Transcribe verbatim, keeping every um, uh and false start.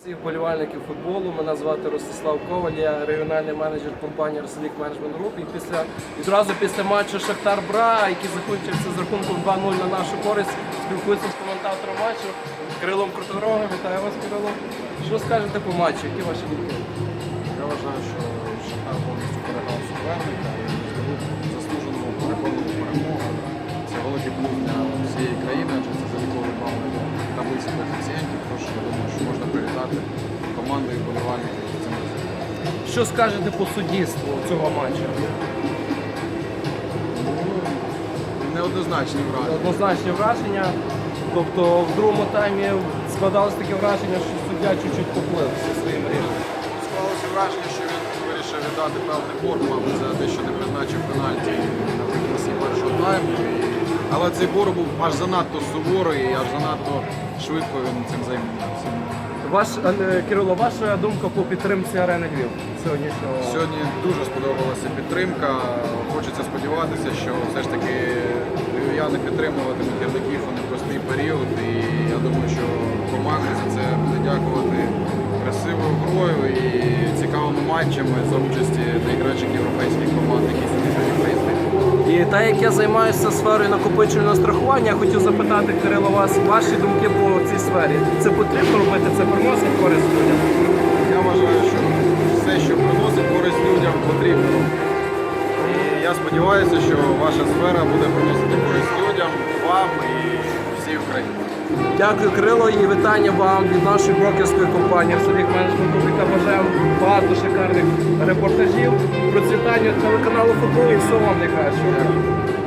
Всіх вболівальників футболу, мене звати Ростислав Коваль, я регіональний менеджер компанії Росолік Менеджмент Груп. І після, відразу після матчу Шахтар-Бра, який закінчився з рахунком два нуль на нашу користь, спілкуюся з коментатором матчу Кирилом Крутогорогом. Вітаю вас, Кирило. Що скажете по матчу? Які ваші думки? Я вважаю, що Шахтар повністю переграв суперника і заслужено переконував перемогу. Це великий плюс для всієї країни, адже це заліковий бал для таблиці коефіцієнтів. Тож я думаю, що можна привітати команду і вболівальників з цим результатом. Що скажете по суддівству цього матчу? Неоднозначні враження. Однозначні враження. Тобто в другому таймі складалось таке враження, що суддя чуть-чуть поплив зі своїм рішенням. Склалося враження, що він вирішив віддати певний борг, мабуть, за те, що не призначив пенальті наприкінці першого тайму. І... Але цей борг був аж занадто суворий і аж занадто швидко він цим займався. Ваш, е, Кирило, ваша думка по підтримці Арени Львів сьогоднішнього? Сьогодні дуже сподобалася підтримка. Хочеться сподіватися, що все ж таки львів'яни підтримуватимуть гірників у непростий період. І я думаю, що команда за це буде дякувати красивою грою і цікавими матчами за участі найкращих європейських команд, які сьогодні приїздять. І так як я займаюся сферою накопичувального страхування, я хотів запитати, Кирило, вас ваші думки по цій сфері. Це потрібно робити? Це приносить користь людям? Я вважаю, що все, що приносить користь людям, потрібно. І я сподіваюся, що ваша сфера буде приносити користь людям, вам і всій Україні. Дякую, Кирило, і вітання вам від нашої брокерської компанії Росолік Менеджмент Груп, яка бажає багато шикарних репортажів, процвітання телеканалу футболу і всього вам найкращого.